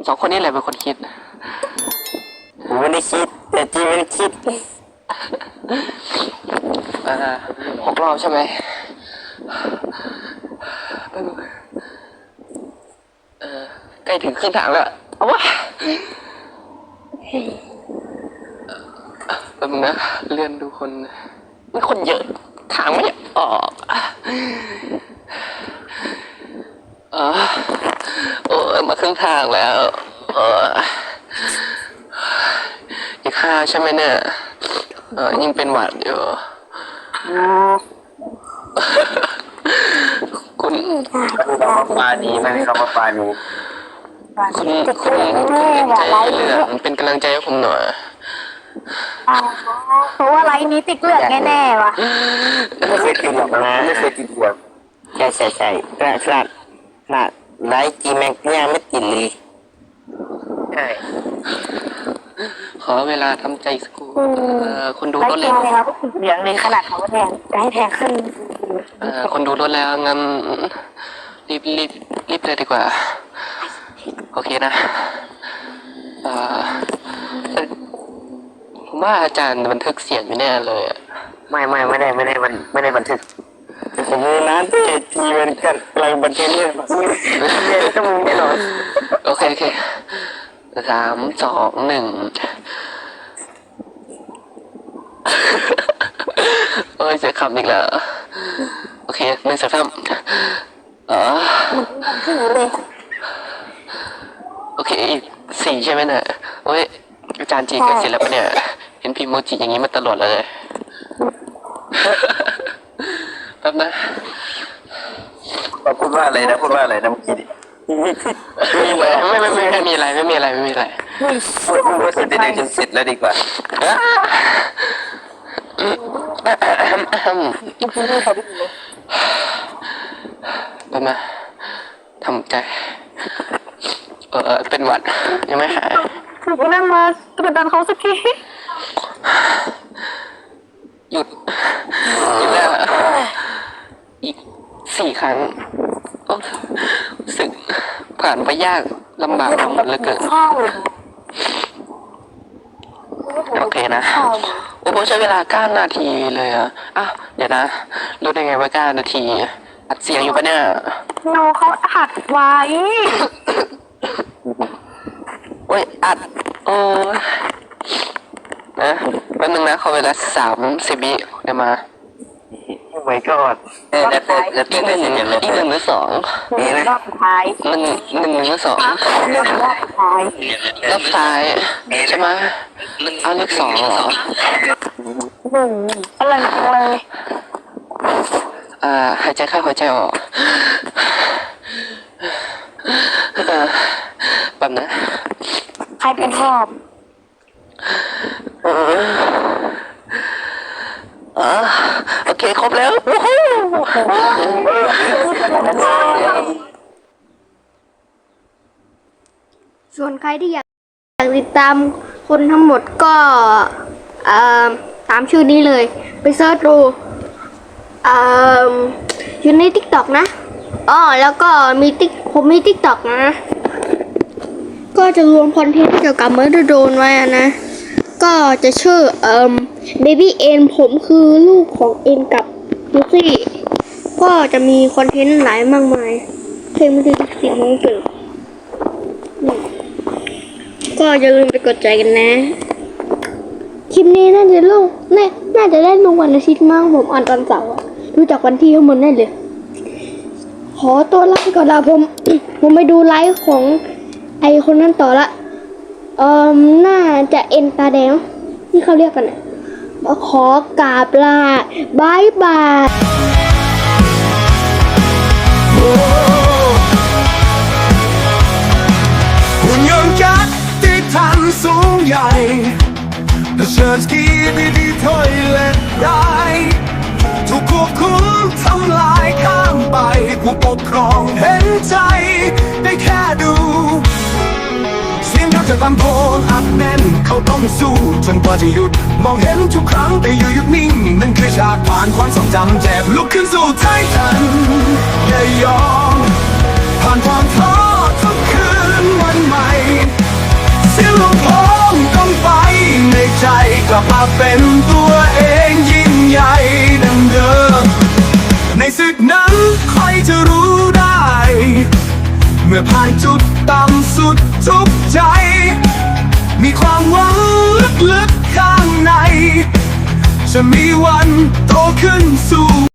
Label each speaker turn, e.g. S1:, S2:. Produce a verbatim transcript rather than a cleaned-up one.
S1: สองคนนี้แหละเป็นคนคิด
S2: ผมไม่ได้คิดแต่จีมันคิด
S1: อ่าหกรอบใช่ไหมเออใกล้ถึงครึ่งทางแล้วเอาวะแป๊บนึงนะเลื่อนดูคนมีคนเยอะทางไม่ออกเออโอ้มาครึ่งทางแล้วเอออีกห้าใช่ไหมเนี่ยเออยิ่งเป็นหวัดอยู่คุณ
S2: ปาดีไหมครับว่าปาดี
S1: คุณคุณใจเรื่องเป็นกำลังใจให้ผมหน่อย
S3: เพราะว่าไลน์นี้ติดเลือดแน่ๆว่ะ
S2: ไม่เคยติดหรอกนะไม่เคยติดหรอกใช่ใช่ใช่ขนาดขนาดขนาดไลฟ์จีแม็กเนี่ยไม่ติดเลยใช่
S1: ขอเวลาทำใจสักครู่คนดูรถแล้ว
S3: เหลืองเลยขนาดเขาแทงจะให้แทงขึ้น
S1: คนดูรถแล้วงั้นรีบรีบรีบเลยดีกว่าโอเคนะผมว่าอาจารย์บันทึกเสียงอยู่แน่เลย
S2: ไม่ไม่ไม่ได้ไม่ได้มันไม่ได้บันทึกผมมีน้ำที่จีมันกันกำลังบันทึกเนี่ยเรียนต้องมีแน่นอน
S1: โอเคโอเคสามสองหนึ่งโอ้ยเสียคำอีกแล้วโอเคหนึ่งสองสามอ๋อโอเคอีกสี่ใช่ไหมเนี่ยโอ้ยอาจารย์จีกันเสร็จแล้วปะเนี่ยเห็นพิมพ์โมจิอย่างนี้มาตลอดเลยแป๊บนะ
S2: พูดว่าอะไรนะพูดว่าอะไรนะเมื่อกี้
S1: ไม่ไม่ไม่ไม่มีอะไรไม่มีอะไรไม่มีอะไร
S2: พูดพูดเสร็จได้จนเสร็จแล้วดีกว่า
S1: แป๊บนะทำใจเออเป็นหวัดยังไม่หาย
S3: ถูกนั่งมากระดันเขาสักที
S1: หยุดหยุดแล้วอีกสี่ครั้งรู้สึกผ่านไปยากลำบากเหลือเกินโอเคนะโอ้โหใช้เวลาเก้านาทีเลยอ่ะอ่ะเดี๋ยวนะรู้ได้ไงว่าเก้านาทีอัดเสียงอยู่ปะเนี่ย
S3: โนเขาอัดไว้
S1: โอ้ยอัดโอ้นะแป๊บนึงนะขอเวลาสามสิบวิเดี๋ยวมา
S2: โอ้ my god เออแล้วแล้ว
S1: อีกหนึ่งอีกหนึ่งหรือสอง
S3: รอบสุดท้าย
S1: หนึ่งหนึ่งหรือสอง
S3: รอบสุดท้าย
S1: รอบท้ายใช่ไหมเอาเลขสองเหรอ
S3: หนึ่งอะไรเลย
S1: อ่าหายใจเข้าหายใจออกแบบนะ
S3: ใครเป็นหอบ
S1: อ๋อโอเคครบแล้ว
S3: ส่วนใครที่อยากติดตามคนทั้งหมดก็ตามชื่อนี้เลยไปเซิร์ชดูอยู่ใน ติ๊กต็อก นะอ๋อแล้วก็มีติ๊กผมมี ติ๊กต็อก นะก็จะรวมคอนเทนต์เกี่ยวกับเมอร์โดนไว้นะก็จะชื่อเอ่อ Baby เอ็นผมคือลูกของเอ็นกับลูซี่ก็จะมีคอนเทนต์หลายมากมายเพลงมันจะติดสิ่งของเกิดก็อย่าลืมไปกดใจกันนะคลิปนี้น่าจะลงน่าจะได้ลงวันอาทิตย์มั้งผมอ่านตอนเสาร์ดูจากวันที่ข้างบนได้เลยขอตัวลาก่อนละผมผมไปดูไลฟ์ของไอคนนั้นต่อละเอ่อน่าจะเอ็นตาแดงที่เขาเรียกกันนะขอกราบลาบายบาย
S4: หุ่นยนต์ยักษ์ที่ทันสูงใหญ่เชิญสกีดีดีถอยเล็ดได้ถูกควบคุมทำลายข้ามไปผู้ปกครองเห็นใจได้แค่ดูเสียงเขาจะตะโกนอัดแน่นเขาต้องสู้จนกว่าจะหยุดมองเห็นทุกครั้งแต่อยู่หยุดนิ่งนั่นคือฉากผ่านความทรงจำเจ็บลุกขึ้นสู้ไททันอย่ายอมผ่านความท้อทุกคืนวันใหม่กลับมาเป็นตัวเองยิ่งใหญ่ดังเดิมในศึกนั้นใครจะรู้ได้ เมื่อผ่านจุดต่ำสุดทุกใจ มีความหวังลึกๆข้างใน จะมีวันโตขึ้นสู่